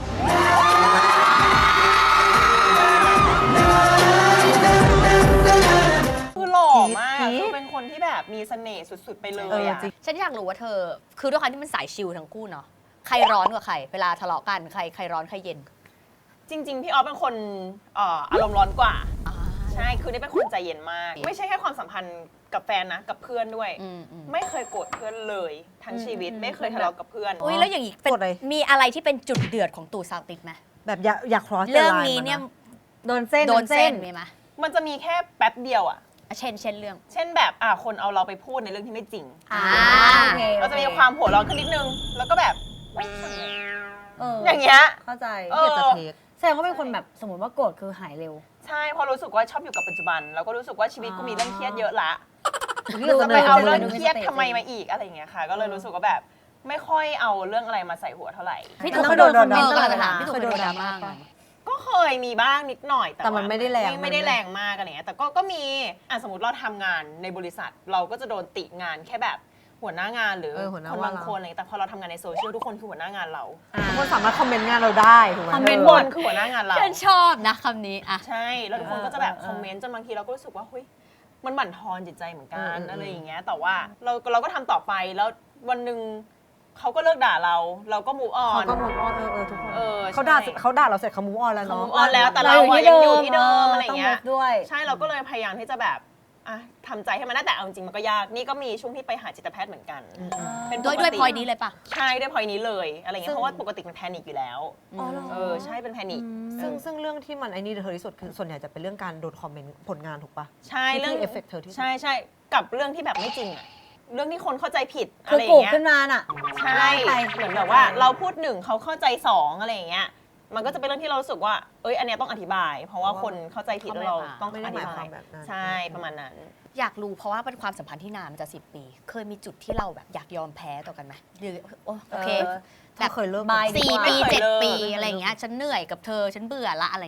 Speaker 2: คือหล่อมาก
Speaker 1: จี๊ด
Speaker 2: คือเป็นคนที่แบบมีเสน่ห์สุดๆไปเล
Speaker 1: เอย อ
Speaker 2: อ่ะ
Speaker 1: จริง
Speaker 3: ฉันอยากรู้ว่าเธอ คือด้วยความที่มันสายชิลทั้งคู่เนาะ ใครร้อนกว่าใคร เวลาทะเลาะกัน ใครใครร้อนใครเย็น
Speaker 2: จริง ๆ พี่ออฟเป็นคนเอ่ออารมณ์ร้อนกว่า ใช่ คือนี่เป็นคนใจเย็นมาก ไม่ใช่แค่ความสัมพันธ์กับแฟนนะ กับเพื่อนด้วย
Speaker 3: อืมอืม
Speaker 2: ไม่เคยโกรธเพื่อนเลย ทั้งชีวิต ไม่เคยทะเลาะกับเพื่อน
Speaker 3: อุ้ยแล้วอย่างนี้เป็น
Speaker 1: กดเลย
Speaker 3: มีอะไรที่เป็นจุดเดือดของตู่ซาวติดไหม
Speaker 1: แบบอยากอยาก cross the
Speaker 3: เรื่อง
Speaker 1: line
Speaker 3: นี้เนี่ย
Speaker 1: มาะ
Speaker 4: โดนเส้น
Speaker 3: โดนเส้นมีไหม
Speaker 2: มันจะมีแค่แป๊บเดียวอ่ะ
Speaker 3: อ่ะเช่นเช่นเรื่อง
Speaker 2: เช่นแบบอ่ะคนเอาเราไปพูดในเรื่องที่ไม่จริง
Speaker 4: อ่า
Speaker 3: โอ
Speaker 4: โอ
Speaker 3: เค
Speaker 4: เค
Speaker 2: เราจะมีความหัวร้อนขึ้นนิดนึง แล้วก็แบบไม่ทำไง
Speaker 4: เออ
Speaker 2: อย่างเงี้ย
Speaker 4: เข้าใจ
Speaker 2: เอ
Speaker 1: เกียดจะเทค
Speaker 4: แสดงว่าเป็นคนแบบสมมติว่าโกรธคือหายเร็ว
Speaker 2: ใช่เพอรู้สึกว่าชอบอยู่กับปัจจุบัน แล้วก็รู้สึกว่าชีวิตกูมีเรื่องเครียดเยอะละ
Speaker 1: นี่
Speaker 2: จะ
Speaker 1: จะ
Speaker 2: ไป
Speaker 1: ไป
Speaker 2: เอา
Speaker 1: เอา
Speaker 2: เรื่
Speaker 1: เรื่
Speaker 2: อ
Speaker 1: อง ง
Speaker 2: เครียดทำไมมาอีกอะไรอย่างเงี้ยค่ะ ก็เลยรู้สึกว่าแบบไม่ค่อยเอาเรื่องอะไรมาใส่หัวเท่าไหร่
Speaker 3: พี่
Speaker 1: แล้ว
Speaker 3: ตู่
Speaker 1: เค
Speaker 3: เค
Speaker 1: ย
Speaker 3: ย
Speaker 1: โด
Speaker 3: โด
Speaker 1: น
Speaker 3: น
Speaker 1: โดน
Speaker 3: คอมเมนต์
Speaker 1: โดน
Speaker 3: อะไร
Speaker 1: ด่า
Speaker 3: ถามพี่ตู่
Speaker 1: เค
Speaker 3: เค
Speaker 1: ย
Speaker 3: ย
Speaker 1: โด
Speaker 3: โด
Speaker 1: น
Speaker 3: นดรา
Speaker 1: ด่า
Speaker 3: ม่า
Speaker 1: ปะ
Speaker 2: ก็เคยมีบ้างนิดหน่อย
Speaker 1: แต่มันไม่ได้แรง
Speaker 2: ไม่ได้แรงมากอะไรเงี้ยแต่ก็ก็มีอ่ะสมมติเราทำงานในบริษัท เราก็จะโดนติงานแค่แบบหัวหน้างานหรือ
Speaker 1: เออหัวหน้า
Speaker 2: คน
Speaker 1: ว่า
Speaker 2: บาง
Speaker 1: เรา
Speaker 2: คนอะไรเงี้ยแต่พอเราทำงานในโซเชียลทุกคนคือหัวหน้างานเรา
Speaker 1: ทุกคนสามารถคอมเมนต์งานเราได้ถูกไหม
Speaker 4: คอมเมนต์
Speaker 2: ทุก
Speaker 4: บ
Speaker 2: คน นคือหัวหน้างานเรา
Speaker 3: ฉันชอบนะคำนี้อ่ะ
Speaker 2: ใช่แล้วทุกคนก็จะแบบ
Speaker 4: เออเออ
Speaker 2: คอมเมนต์จนบางทีเราก็รู้สึกว่าเฮ้ยมันบั่นทอนจิตใจเหมือนกัน
Speaker 1: เออเออ
Speaker 2: อะไรอย่างเงี้ยแต่ว่าเราเราก็ทำต่อไปแล้ววันหนึ่งเขาก็เลิกด่าเรา เราก็มูฟออ
Speaker 1: เขา
Speaker 2: น
Speaker 1: ก็มูฟออนเออเออทุกคน
Speaker 2: เออ
Speaker 1: เขาด่า
Speaker 2: ใช่
Speaker 1: เขาด่าเราเสร็จเขามูฟออนแล้ว
Speaker 2: เขา
Speaker 1: เนาะ
Speaker 2: มูฟออนแล้วแต่เรา
Speaker 4: อยู่
Speaker 2: อะ
Speaker 4: ที่
Speaker 2: ยังอยู่
Speaker 4: เดิม
Speaker 2: ที่เดิมอะไรอย่างเงี้ย
Speaker 4: ต้อง move ด้วย
Speaker 2: ใช่เราก็เลยพยายามที่จะแบบอ่ะทำใจให้มันได้แต่เอาจริงๆมันก็ยากนี่ก็มีช่วงที่ไปหาจิตแพทย์เหมือนกัน เป็น
Speaker 3: ด้วย
Speaker 2: ปกติ
Speaker 3: ด้วยพอยนี้เลยปะ
Speaker 2: ใช่ด้วยพอยนี้เลยอะไรเงี้
Speaker 4: ซึ่
Speaker 2: ย
Speaker 4: ง
Speaker 2: เพราะว่าปกติมันแพนิคอยู่แล้ว
Speaker 4: อ๋อเหรอ
Speaker 2: เออใช่เป็นแพนิค
Speaker 1: ซึ่งซึ่งเรื่องที่มันไอ้นี่เธอที่สุดคือส่วนใหญ่จะเป็นเรื่องการโดนคอมเมนต์ผลงานถูกปะ
Speaker 2: ใช่
Speaker 1: ที่
Speaker 2: เรื่อง
Speaker 1: ที่ affect เธอที่สุด
Speaker 2: ใช่ใช่กับเรื่องที่แบบไม่จริงอะเรื่องที่คนเข้าใจผิด
Speaker 4: คื
Speaker 2: อะ
Speaker 4: อ
Speaker 2: ไรอ
Speaker 4: กู
Speaker 2: ย่างเงี้ย
Speaker 4: ขึ้นมาน่ะ
Speaker 2: ใช่
Speaker 4: ไป
Speaker 2: เหมือนแบบว่าเราพูดหนึ่งเขาเข้าใจสองอะไรอย่างเงี้ยมันก็จะเป็นเรื่องที่เรารู้สึกว่าเอ้ยอันเนี้ยต้องอธิบาย เพราะว่าคนเข้าใจผิดแล้วเราต้อง
Speaker 1: ไม่
Speaker 2: อ
Speaker 1: ได้ห
Speaker 2: ธิ
Speaker 1: มายค
Speaker 2: บาว
Speaker 1: าย มแบบนั้น
Speaker 2: ใช่ประมาณนั้น
Speaker 3: อยากรู้เพราะว่าเป็นความสัมพันธ์ที่นานมันจะสิบปี เคยมีจุดที่เราแบบอยากยอมแพ้ต่อกันไหมหรือโอโอเค
Speaker 4: เออ
Speaker 1: แบบเคยเลิก
Speaker 4: บาย
Speaker 3: สี่
Speaker 2: ไม่
Speaker 3: ปี
Speaker 2: เคย
Speaker 3: เจ็ด
Speaker 2: เลิก
Speaker 3: ปีอะไรอย่างเงี้ยฉันเหนื่อยกับเธอฉันเบื่อละอะไรเงี้ย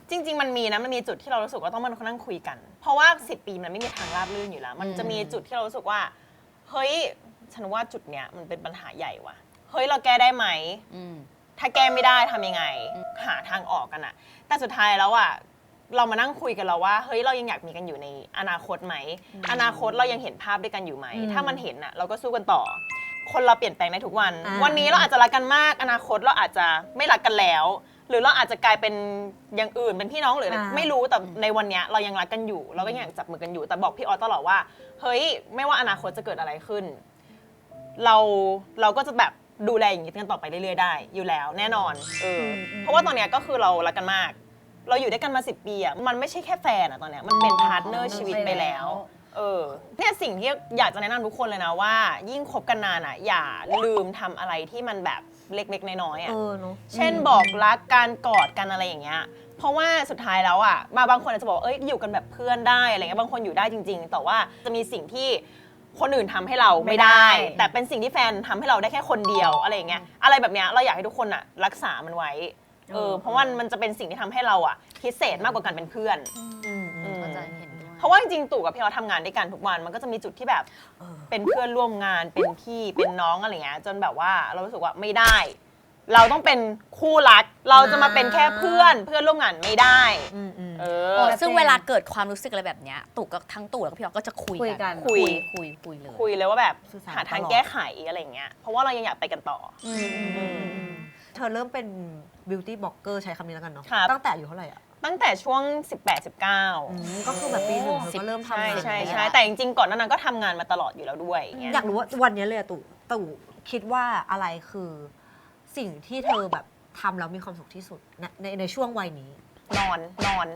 Speaker 2: จริง ๆ มันมีนะมันมีจุดที่เรารู้สึกว่าต้องมานั่งคุยกัน เพราะว่าสิบปีมันไม่มีทางราบรื่นอยู่แล้ว มันจะมีจุดที่เรารู้สึกว่าเฮ้ยฉันว่าจุดเนี้ยมันเป็นปัญหาใหญ่ว่ะเฮ้ยเราแก้ได้ไหม
Speaker 3: อืม
Speaker 2: ถ้าแก้ไม่ได้ทำยังไงหาทางออกกันอะแต่สุดท้ายแล้วอะเรามานั่งคุยกันแล้วว่าเฮ้ยเรายังอยากมีกันอยู่ในอนาคตไหมอนาคตเรายังเห็นภาพด้วยกันอยู่ไหมถ้ามันเห็นอะเราก็สู้กันต่อ คนเราเปลี่ยนแปลงได้ทุกวัน
Speaker 1: อ่า
Speaker 2: วันนี้เราอาจจะรักกันมากอนาคตเราอาจจะไม่รักกันแล้ว หรือเราอาจจะกลายเป็นอย่างอื่นเป็นพี่น้องหรืออะไรไม่รู้แต่ในวันเนี้ยเรายังรักกันอยู่ เราก็ยังอยากจับมือกันอยู่แต่บอกพี่ออสตลอดว่าเฮ้ยไม่ว่าอนาคตจะเกิดอะไรขึ้น เราเราก็จะแบบดูแลอย่างนี้กันต่อไปเรื่อยๆได้อยู่แล้วแน่นอนเออเพราะว่าตอนเนี้ยก็คือเรารักกันมาก เราอยู่ด้วยกันมาสิบปีอ่ะมันไม่ใช่แค่แฟนอ่ะตอนเนี้ยมันเป็นพาร์ทเนอร์ชีวิตไปแล้วเออเนี่ยสิ่งที่อยากจะแนะนำทุกคนเลยนะว่า ยิ่งคบกันนานอ่ะอย่าลืมทำอะไรที่มันแบบเล็กๆน้อยๆอ่ะ
Speaker 1: เออเนาะ
Speaker 2: เช่นบอกรักการกอดกันอะไรอย่างเงี้ย เพราะว่าสุดท้ายแล้วอ่ะมาบางคนอาจจะบอกว่าเอ้ยอยู่กันแบบเพื่อนได้อะไรเงี้ยบางคนอยู่ได้จริง ๆ แต่ว่าจะมีสิ่งที่คนอื่นทำให้เราไม่ได้ แต่เป็นสิ่งที่แฟนทำให้เราได้แค่คนเดียวอะไรอย่างเงี้ยอะไรแบบเนี้ยเราอยากให้ทุกคนอ่ะรักษามันไว้เออเพราะว่ามันจะเป็นสิ่งที่ทำให้เราอ่ะพิเศษมากกว่าการเป็นเพื่อน
Speaker 1: อืมอืม
Speaker 3: ก็จะเห็นด้วย
Speaker 2: เพราะว่าจริงๆตู่กับพี่เราทำงานด้วยกันทุกวันมันก็จะมีจุดที่แบบเป็นเพื่อนร่วมงานเป็นพี่เป็นน้องอะไรเงี้ยจนแบบว่าเรารู้สึกว่าไม่ได้ เราต้องเป็นคู่รัก เราจะมาเป็นแค่เพื่อนเพื่อนร่วมงานไม่ได้
Speaker 1: อืมอืม
Speaker 2: เอ
Speaker 3: เอ
Speaker 2: อ
Speaker 3: อซึ่งเวลาเกิดความรู้สึกอะไรแบบเนี้ยตู่กับทั้งตู่แล้วก็พี่ออสก็จะคุย
Speaker 4: คุยกั
Speaker 3: กัน น
Speaker 2: คุย
Speaker 3: คุยคุยเลย
Speaker 2: คุยเลยว่าแบบ
Speaker 1: สื่อสาร
Speaker 2: หาทาง
Speaker 1: ตลอด
Speaker 2: แก้ไขอะไรเงี้ยเพราะว่าเรายังอยากไปกันต่ออ
Speaker 3: อืมอืมอืมอืม
Speaker 1: เธอเริ่มเป็น beauty blogger ใช้คำนี้แล้วกันเนาะ
Speaker 2: ครับ
Speaker 1: ตั้งแต่อายู่เท่าไหร่อ่ะ
Speaker 2: ตั้งแต่ช่วง สิบแปด สิบเก้า
Speaker 1: อืมก็คือแบบปีหนึ่งเธอก็เริ่มทำ
Speaker 2: ใช่
Speaker 1: งาน
Speaker 2: ใช่
Speaker 1: แล้ว
Speaker 2: ใช่แต่จริงๆก่อนหนานั้นก็ทำงานมาตลอดอยู่แล้วด้วยเงี้ย
Speaker 1: อยากรู้ว่าวันนี้เลยอะตู่ตู่คิดว่าอะไรคือสิ่งที่เธอแบบทำแล้วมีความสุขที่สุดในในในช่วงวัยนี้
Speaker 2: นอนนอน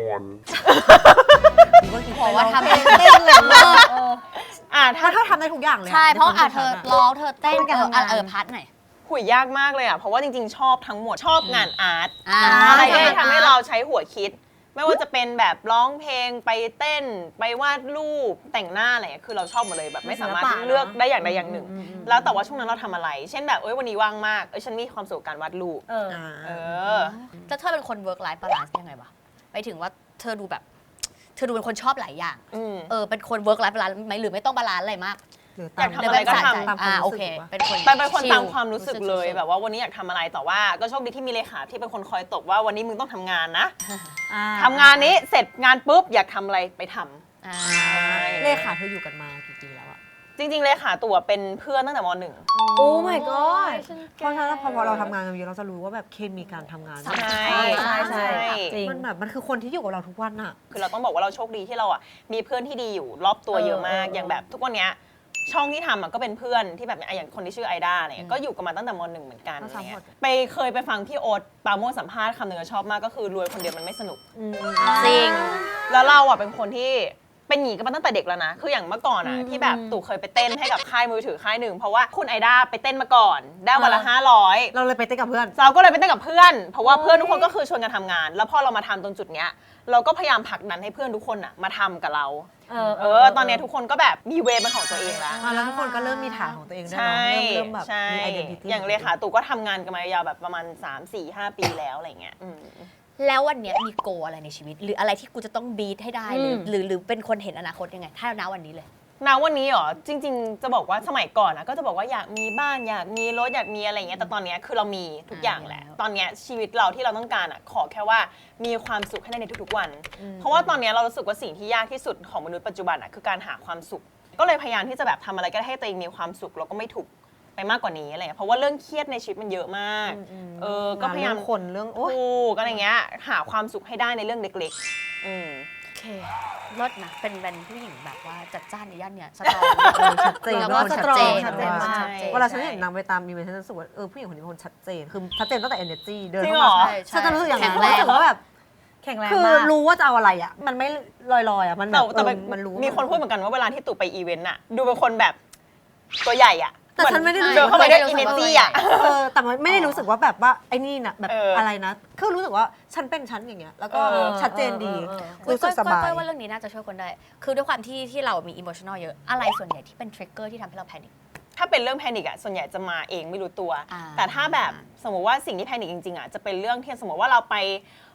Speaker 1: หรือว่ากิน
Speaker 3: บอกว่าทำ
Speaker 1: ไป
Speaker 3: เอง
Speaker 1: เต้นเลยเออ
Speaker 2: อ่ะ
Speaker 1: ถ้า
Speaker 2: ถ้า
Speaker 1: เธอทำได้ทุกอย่างเลย
Speaker 3: ใช่ เพราะอ่ะ
Speaker 1: ใน
Speaker 3: เธ
Speaker 1: คว
Speaker 3: อ
Speaker 1: มคิดฉันอะ
Speaker 3: ร้องเธอเต้น
Speaker 4: เป็น
Speaker 3: เอ
Speaker 4: การ
Speaker 3: อ
Speaker 4: ทำงาน
Speaker 3: เออพาร์ทไหนอย
Speaker 2: หุยยากมากเลยอ่ะเพราะว่าจริงๆ ชอบทั้งหมดชอบงานอาร์ต
Speaker 3: อ่า
Speaker 2: อะไรที่
Speaker 3: งานอาร์ต
Speaker 2: ทำให้เราใช้หัวคิด ไม่ว่าจะเป็นแบบร้องเพลงไปเต้น ไปวาดรูปแต่งหน้าอะไรเงี้ยคือเราชอบหมดเลยแบบไม่สามารถ
Speaker 4: ศิลปะ
Speaker 2: เลือก
Speaker 4: เนอะ
Speaker 2: ได้อย่างใดอย่างหนึ่ง
Speaker 1: อืมอืมอืม
Speaker 2: แล้วแต่ว่าช่วงนั้นเราทำอะไร เช่นแบบเอ้ยวันนี้ว่างมากเอ้ยฉันมีความสุขกับการวาดรูป
Speaker 4: เออ
Speaker 1: อ่า
Speaker 2: เออ
Speaker 3: แล้วเธอเป็นคน work life balance ยังไงวะไปถึงว่าเธอดูแบบ เธอดูเป็นคนชอบหลายอย่าง
Speaker 2: อืม
Speaker 3: เออเป็นคน work life balance ไหมหรือไม่ต้องบาลานซ์อะไรมาก
Speaker 1: หรือ
Speaker 2: อยากทำ
Speaker 1: ตาม
Speaker 2: อะไรก็ทำ
Speaker 1: ตามควา
Speaker 3: อ่าม โอ
Speaker 1: รู้
Speaker 3: เค
Speaker 1: สึกปะ
Speaker 3: เป็นคน
Speaker 2: เป็นเป็นคน
Speaker 3: ชิล
Speaker 2: ตามความรู้สึกเลย
Speaker 3: สุดๆ
Speaker 2: แบบว่าวันนี้อยากทำอะไรแต่ว่าก็โชคดีที่มีเลขาที่เป็นคนคอยตบว่าวันนี้มึงต้องทำงานนะ
Speaker 1: อ่า
Speaker 2: ทำงานนี้เสร็จงานปุ๊บอยากทำอะไรไปทำ
Speaker 3: อ่า
Speaker 1: เลขาเธออยู่กันมากี่ปีแล้วอะ
Speaker 2: จริงๆเลขาตัวเป็นเพื่อนตั้งแต่มหนึ่ง
Speaker 4: โอ้ my god
Speaker 1: เพราะฉะนั้นพอพอเราทำงานกันเยอะเราจะรู้ว่าแบบเคมีการทำงาน
Speaker 2: ใช่
Speaker 4: ใช่ใช่จริง
Speaker 1: มันแบบมันคือคนที่อยู่กับเราทุกวันอะ
Speaker 2: คือเราต้องบอกว่าเราโชคดีที่เราอ่ะมีเพื่อนที่ดีอยู่รอบตัวเยอะมาก
Speaker 4: เออเออ
Speaker 2: อย่างแบบทุกวันเนี้ยช่องที่ทำอ่ะก็เป็นเพื่อนที่แบบอ่ะอย่างคนที่ชื่อไอด้าเนี่ยก็อยู่กันมาตั้งแต่มหนึ่งเหมือนกันอะไรเงี้ยไปเคยไปฟังพี่โอ๊ตปราโมชสัมภาษณ์คำหนึ่งก็ชอบมากก็คือรวยคนเดียวมันไม่สนุก
Speaker 3: จริง
Speaker 2: แล้วเราอ่ะเป็นคนที่เป็นหนีกันมาตั้งแต่เด็กแล้วนะ คืออย่างเมื่อก่อนอ่ะที่แบบตู่เคยไปเต้นให้กับค่ายมือถือค่ายหนึ่งเพราะว่าคุณไอด้าไปเต้นมาก่อน ได้วันละห้าร้อย
Speaker 1: เราเลยไปเต้นกับเพื่อน
Speaker 2: เราก็เลยไปเต้นกับเพื่อน เพราะว่าเพื่อนทุกคนก็คือชวนกันทำงาน แล้วพอเรามาทำตรงจุดเนี้ยเราก็พยายามผลักดันให้เพื่อนทุกคนอ่ะมาทำกับเรา
Speaker 4: เออ
Speaker 2: เออ ตอนเนี้ยทุกคนก็แบบมีเวย์เป็นของตัวเองแล้ว
Speaker 1: อ่ะแล้วทุกคนก็เริ่มมีฐานของตัวเองด้วย
Speaker 2: ใช่
Speaker 1: เนาะเริ่มเริ่มแบบ
Speaker 2: ใช่
Speaker 1: มี identity
Speaker 2: อย่างเลขาตู่ก็ทำงานกันมายาวแบบประมาณ สาม สี่ ห้า ปีแล้วอะไรเงี้ยอืม
Speaker 3: แล้ววันเนี้ยมีโกอะไรในชีวิต หรืออะไรที่กูจะต้องบีทให้ได้หรือหรือหรือเป็นคนเห็นอนาคตยังไง ถ้าณวันนี้เลย
Speaker 2: ณวันนี้เหรอจริง ๆ จะบอกว่าสมัยก่อนนะก็จะบอกว่าอยากมีบ้านอยากมีรถอยากมีอะไรเงี้ยแต่ตอนเนี้ยคือเรามีทุกอย่างแหละ
Speaker 3: อ่า
Speaker 2: ตอนเนี้ยชีวิตเราที่เราต้องการอ่ะขอแค่ว่ามีความสุขให้ได้ในทุกๆวัน เพราะว่าตอนเนี้ยเรารู้สึกว่าสิ่งที่ยากที่สุดของมนุษย์ปัจจุบันอ่ะคือการหาความสุข ก็เลยพยายามที่จะแบบทำอะไรก็ได้ให้ตัวเองมีความสุขแล้วก็ไม่ถูกไปมากกว่านี้อะไรเงี้ยเพราะว่าเรื่องเครียดในชีวิตมันเยอะมาก เออก็พยายาม
Speaker 1: เรื่องคนเรื่องโอ๊ย
Speaker 2: ถูกอะไรเงี้ยหาความสุขให้ได้ในเรื่องเล็กๆอืม
Speaker 3: โอเครถนะเป็นเป็นผู้หญิงแบบว่าจัดจ้านในย่านเนี้ยสตรอง
Speaker 1: เออชัดเจน
Speaker 3: แล้ว
Speaker 1: เป็น
Speaker 3: ก็
Speaker 1: คน
Speaker 3: ส
Speaker 1: ชัด
Speaker 3: ตรอ
Speaker 1: เจ
Speaker 3: ง
Speaker 1: น
Speaker 3: ชัดเจน
Speaker 1: ว่า
Speaker 3: ชัดเจน
Speaker 1: เวลาฉันเห็นนางไปตามอีเวนต์ฉันจะรู้สึกว่าเออผู้หญิงคนนี้เป็นคนชัดเจนคือชัดเจนตั้งแต่ energy เดิน
Speaker 2: จริง
Speaker 1: เข้า
Speaker 2: เหร
Speaker 1: มา
Speaker 2: อ
Speaker 3: ใช่
Speaker 1: ฉันจะรู้สึกอย่างนั้น
Speaker 3: แข็งแรง
Speaker 1: รู้สึกว่าแบบ
Speaker 4: แข็งแรง
Speaker 1: คือ
Speaker 4: มาก
Speaker 1: รู้ว่าจะเอาอะไรอ่ะ มันไม่ลอยๆอ่ะมันแบ
Speaker 2: แต่
Speaker 1: บ
Speaker 2: แต่
Speaker 1: เอ
Speaker 2: เป็
Speaker 1: อน มันรู้
Speaker 2: มีคนพูดเหมือนกันว่าเวลาที่ตู่ไปอีเวนต์อะดูเป็นคนแบบตัวใหญ่อะ
Speaker 1: แต่ฉันไม่ได้รู้
Speaker 2: เดิ
Speaker 1: สึ
Speaker 2: น
Speaker 1: ก
Speaker 2: เข้าไป
Speaker 1: ว่า
Speaker 2: ด้วยอินเนจี้อะ
Speaker 1: เออแต่มันไม่ได้รู้สึกว่าแบบว่าไอ้นี่นะแบบ
Speaker 2: เอออ
Speaker 1: อะไรนะคือรู้สึกว่าฉันเป็นฉันอย่างเงี้ยแล้วก็
Speaker 2: เออ
Speaker 1: ชัดเจนดี
Speaker 4: เออเออเออ
Speaker 1: รู้สึกสบาย
Speaker 3: ก้อยว่าเรื่องนี้น่าจะช่วยคนได้ คือด้วยความที่ที่เรามีอิโมชันอลเยอะ อะไรส่วนใหญ่ที่เป็นทริกเกอร์ที่ทำให้เราแพนิค
Speaker 2: ถ้าเป็นเรื่องแพนิคอะส่วนใหญ่จะมาเองไม่รู้ตัว
Speaker 3: อ่า
Speaker 2: แต่ถ้าแบบสมมติว่าสิ่งที่แพนิคจริงๆอะจะเป็นเรื่องที่สมมติว่าเราไป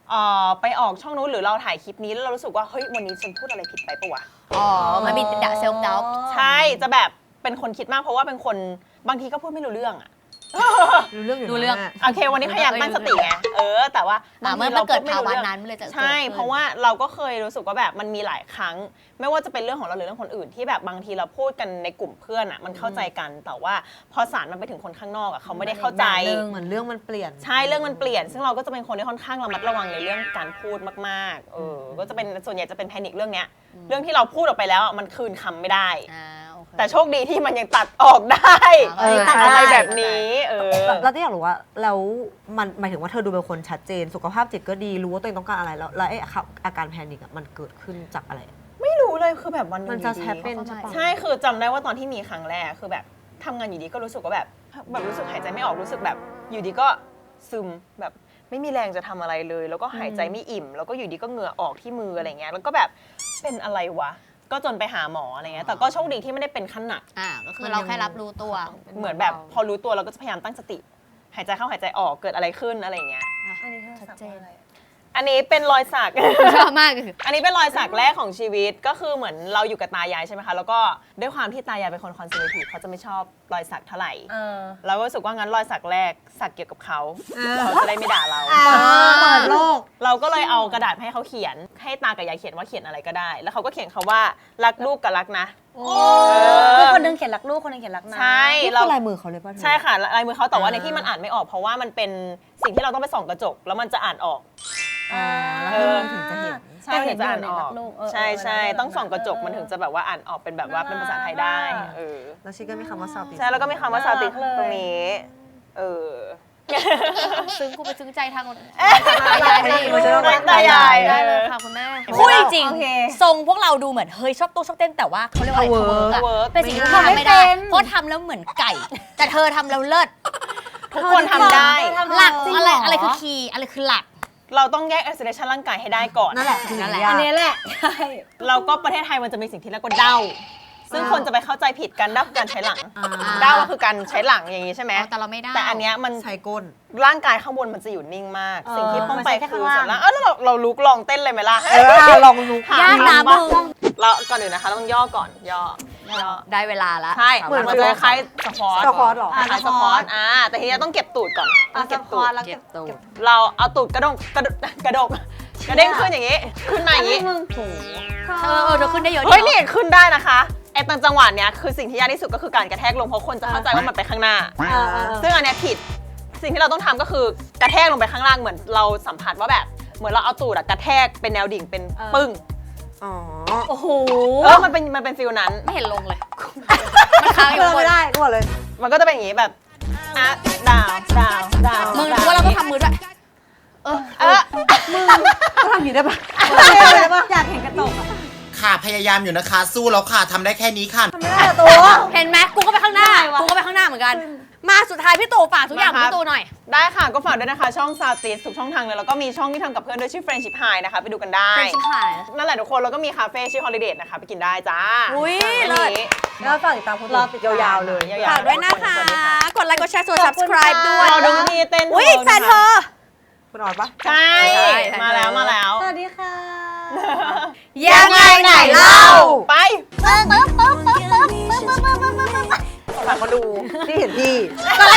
Speaker 2: เอ่อไปออกช่องนู้นหรือเราถ่ายคลิปนี้แล้วเรารู้สึกว่าเฮ้ยวันนี้ฉันพูดอะไรผิดไปปะวะ
Speaker 3: อ๋อ มันมีดะเซลฟ์ดาว
Speaker 2: ใช่จะแบบเป็นคนคิดมากเพราะว่าเป็นคนบางทีก็พูดไม่รู้เรื่องอะ
Speaker 1: รู้เรื่องอยู่
Speaker 3: รู้เรื่อง
Speaker 1: นะ
Speaker 2: โอเค วันนี้พยายามตั้งสติไงเออ แต่ว่า
Speaker 3: อ่า
Speaker 2: บาง
Speaker 3: เมื่
Speaker 2: ที
Speaker 3: อ
Speaker 2: เรา
Speaker 3: มันเกิด
Speaker 2: ไม่
Speaker 3: ภาวะ
Speaker 2: รู้รื่อง
Speaker 3: นั้นมันเลยจะ
Speaker 2: ใช่
Speaker 3: กิดขึ้น
Speaker 2: เพราะว่าเราก็เคยรู้สึกว่าแบบมันมีหลายครั้ง ไม่ว่าจะเป็นเรื่องของเราหรือเรื่องคนอื่น ที่แบบบางทีเราพูดกันในกลุ่มเพื่อนอ่ะมันเข้าใจกันแต่ว่าพอสารมันไปถึงคนข้างนอกอ่ะเขาไม่ได้เข้าใจ
Speaker 1: เหมือนเรื่องมันเปลี่ยน
Speaker 2: ใช่เรื่องมันเปลี่ยน ซึ่งเราก็จะเป็นคนที่ค่อนข้างระมัดระวังในเรื่องการพูดมากๆเออก็จะเป็นส่วนใหญ่จะเป็นแพนิคเรื่องเนี้ยเรื่องที่เราพูดออกไปแล้วอะมันคืนคำไม่ได้
Speaker 3: อ่าโอเค
Speaker 2: แต่โชคดีที่มันยังตัดออกได้
Speaker 3: เออ
Speaker 1: ตัดได้
Speaker 2: อะไรแบบนี้เออ
Speaker 1: เราที่อยากรู้ว่าแล้วมันหมายถึงว่าเธอดูเป็นคนชัดเจน สุขภาพจิตก็ดีรู้ว่าตัวเองต้องการอะไรแล้วแล้วไอ้อาการแพนิคอะมันเกิดขึ้นจากอะไร
Speaker 2: ไม่รู้เลยคือแบบวันหนึง
Speaker 1: มันจะ
Speaker 2: อยู่ดี
Speaker 1: แฮปเป็นใช่ปะ
Speaker 2: ใช่คือจำได้ว่าตอนที่มีครั้งแรกคือแบบทำงานอยู่ดีก็รู้สึกว่าแบบแบบรู้สึกหายใจไม่ออกรู้สึกแบบอยู่ดีก็ซึมแบบไม่มีแรงจะทำอะไรเลย แล้วก็หายใจไม่อิ่ม แล้วก็อยู่ดีก็เหงื่อออกที่มืออะไรเงี้ยแล้วก็แบบเป็นอะไรวะ ก็จนไปหาหมออะไรเงี้ยแต่ก็โชคดีที่ไม่ได้เป็นขั้นหนัก
Speaker 3: อ่าก็คือเราแค่รับรู้ตัว
Speaker 2: เหมือนแบบพอรู้ตัวเราก็จะพยายามตั้งสติ หายใจเข้าหายใจออกเกิดอะไรขึ้นอะไรเงี้ย
Speaker 4: อันนี้เธอ
Speaker 3: ชัด
Speaker 4: สัก
Speaker 3: เจน
Speaker 4: อะไร
Speaker 2: อันนี้เป็นรอยสัก
Speaker 3: ชอบมากคือ
Speaker 2: อันนี้เป็นรอยสักแรกของชีวิตก็คือเหมือนเราอยู่กับตายายใช่ไหมคะแล้วก็ด้วยความที่ตายายเป็นคนคอนเซอร์เวทีฟเขาจะไม่ชอบรอยสักเท่าไหร่
Speaker 4: เออ
Speaker 2: เราก็รู้สึกว่างั้นรอยสักแรกสักเกี่ยวกับเขาเขาจะได้ไม่ด่าเรา
Speaker 1: เปิดโลก
Speaker 2: เราก็เลยเอากระดาษให้เขาเขียน ให้ตากับยายเขียนว่าเขียนอะไรก็ได้ แล้วเขาก็เขียนคำว่ารักลูกกับรักนะ
Speaker 4: คือคนหนึงเขียนรักลูกคนหนึงเขียนรักนะ
Speaker 2: ใช่
Speaker 1: นี่
Speaker 2: เรา
Speaker 1: คือลายมือเขาเลยป่ะเธอ
Speaker 2: ใช่ค่ะลายมือเขาแต่ว่า
Speaker 1: อ่า
Speaker 2: ในที่มันอ่านไม่ออกเพราะว่ามันเป็นสิ่งที่เราต้องไปส่องกระจก แล้วมันจะอ่านออก
Speaker 1: อ่าแล้ว
Speaker 2: เออ
Speaker 1: มันถึงจะเห็น
Speaker 2: ใช่ถึงจะอ่านออก
Speaker 4: ลูกเออ
Speaker 2: ใช่ใช่
Speaker 4: เออ
Speaker 2: ต้องส่องกระจกมันถึงจะแบบว่าอ่านออกเป็นแบบว่าเป็นภาษาไทยได้เออ
Speaker 1: แล้วชิก็มีคำว่าซาวติ
Speaker 2: ใช่แล้วก็มีคำว่าซาติตรงนี้ เออ
Speaker 3: ซึ้งกูไปซึ้งใจทางคน
Speaker 1: ตายายมันจะต้อง
Speaker 2: ตายาย
Speaker 3: ได้เลยค่ะคุณแม่
Speaker 2: เห็นไหม
Speaker 3: พูดจริง
Speaker 4: โอเค
Speaker 3: ทรงพวกเราดูเหมือนเฮ้ยชอบตู้ชอบเต้นแต่ว่าเขาเรียกว่าอะไร
Speaker 1: Cover
Speaker 3: อะ
Speaker 2: Cover
Speaker 3: เป็นสิ่งที่
Speaker 4: ไม่
Speaker 3: ทำไม่ได้
Speaker 4: เป็น
Speaker 3: เพราะทำแล้วเหมือนไก่ แต่เธอทำแล้วเลิศ
Speaker 2: ทุกคนทำได้
Speaker 3: หลัก
Speaker 4: จริง
Speaker 3: อะไร
Speaker 4: เหรออ
Speaker 3: อะไรคือคีย์อะไรคือหลัก
Speaker 2: เราต้องแยก isolation ร่างกายให้ได้ก่อน
Speaker 1: นั่นแหละคือ
Speaker 3: นั่นแหละ
Speaker 1: ยาก
Speaker 4: อันนี้แหละใช่
Speaker 2: แล้วก็ประเทศไทยมันจะมีสิ่งที่เรียกว่าเด้า ซึ่งคนจะไปเข้าใจผิดกันเด้าคือการใช้หลัง
Speaker 1: อ่า
Speaker 2: เด้าก็คือการใช้หลังอย่างนี้ใช่ไหม
Speaker 3: อ๋อแต่เราไม่ได้
Speaker 2: แต่อันเนี้ยมัน
Speaker 1: ใช้ก้น
Speaker 2: ร่างกายข้างบนมันจะอยู่นิ่งมาก
Speaker 1: เออ
Speaker 2: สิ่งที่ต้องไป
Speaker 4: มันใช้แค่
Speaker 2: คือ
Speaker 4: ข้างล่าง
Speaker 2: ส่วนล่างเออแล้วเราเราลุกลองเต้นเลยไหมล่ะ
Speaker 1: เออลองลุก
Speaker 2: ห
Speaker 3: ยากนะ
Speaker 2: ทำป
Speaker 3: มึง
Speaker 2: เราก่อนอื่นนะคะต้องย่อก่อนย่อย่อ
Speaker 3: ได้เวลาละ
Speaker 2: ใช่
Speaker 1: เหมือน
Speaker 2: มันจะคล้ายๆสควอต
Speaker 1: สควอตเหรอ
Speaker 2: คล้ายๆสควอตอ่าแต่ทีนี้ต้องเก็บตูดก่อนต้องเก็บตูด
Speaker 3: เก็บตัว
Speaker 2: เราเอาตูดกระดงกระดกกระดกกระเด้งขึ้นอย่างนี้ ขึ้นมาอย่างนี้
Speaker 3: เออเออเธอขึ้นได้เยอะ
Speaker 2: เฮ้ย
Speaker 3: ดี
Speaker 2: นี่
Speaker 3: เนอะ
Speaker 2: ขึ้นได้นะคะไอ้ตอนจังหวะเนี้ยคือสิ่งที่ยากที่สุดก็คือการกระแทกลงเพราะคนจะเข้าใจว่ามันไปข้างหน้า ซึ่งอันเนี้ยผิดสิ่งที่เราต้องทำก็คือกระแทกลงไปข้างล่างเหมือนเราสัมผัสว่าแบบเหมือนเราเอาตูดอะกระแทกเป็นแนวดิ่งเป็นปึ้ง
Speaker 1: อ๋อ
Speaker 4: โอ้โห
Speaker 2: เออมันเป็นมันเป็นฟิลนั้น
Speaker 3: ไม่เห็นลงเลย มันค้างอยู่
Speaker 1: เดิน
Speaker 3: บ
Speaker 1: ไม่
Speaker 3: น
Speaker 1: ได้ก็บอกเลย
Speaker 2: มันก็จะเป็นอย่างนี้แบบอ่ะดาวดาวดาว
Speaker 3: มึง
Speaker 2: ด
Speaker 3: รู้ว่าเราต้องทำมือด้วย เออ
Speaker 2: เออ
Speaker 1: ก็ทำอย่างนี้ได้ปะ
Speaker 4: อยากเห็นกระจกอะ
Speaker 5: ค่ะพยายามอยู่นะคะ สู้แล้วค่ะทำได้แค่นี้ค่ะ
Speaker 4: ทำไม่ได้อะตัว
Speaker 3: เห็นไหมกูก็ไปข้างหน้า กูก็ไปข้างหน้าเหมือนกัน มาสุดท้ายพี่ตู่ฝากทุกอย่างพี่ตู่หน่อย
Speaker 2: ได้ค่ะก็ฝากด้วยนะคะช่องซาวติสทุกช่องทางเลยแล้วก็มีช่องที่ทำกับเพื่อนด้วยชื่อ Friendship High นะคะไปดูกันได้
Speaker 3: Friendship High
Speaker 2: นั่นแหละทุกคนแล้วก็มีคาเฟ่ชื่อ Holiday นะคะไปกินได้จ้า
Speaker 3: อุ๊ย
Speaker 2: อัน
Speaker 3: เลิศ
Speaker 2: นี้
Speaker 1: แล้วฝากติดตามคนรอติดยาวๆเลย
Speaker 2: ยาวๆ
Speaker 3: ฝากด้วยนะคะ
Speaker 2: สวัสดีค่ะ
Speaker 3: กดไลค์กดแชร์กด subscribe ด้วย
Speaker 2: เราดูพี่เต้น
Speaker 3: อุ้ยแฟนเธอ
Speaker 1: คุณออดปะ
Speaker 2: ใช่
Speaker 3: ใช่
Speaker 2: มาแล้วมาแล้ว
Speaker 4: สวัสดีค่ะ
Speaker 3: ยังไงไหนเล่า
Speaker 2: ไป
Speaker 3: ปึ๊บปึ๊บปึ๊บปึ๊บปึ๊บปึ๊บปึ๊บปึ๊บปึ๊บ
Speaker 2: ฝากเขาดู
Speaker 1: ที่เห็นพี่
Speaker 3: กดไล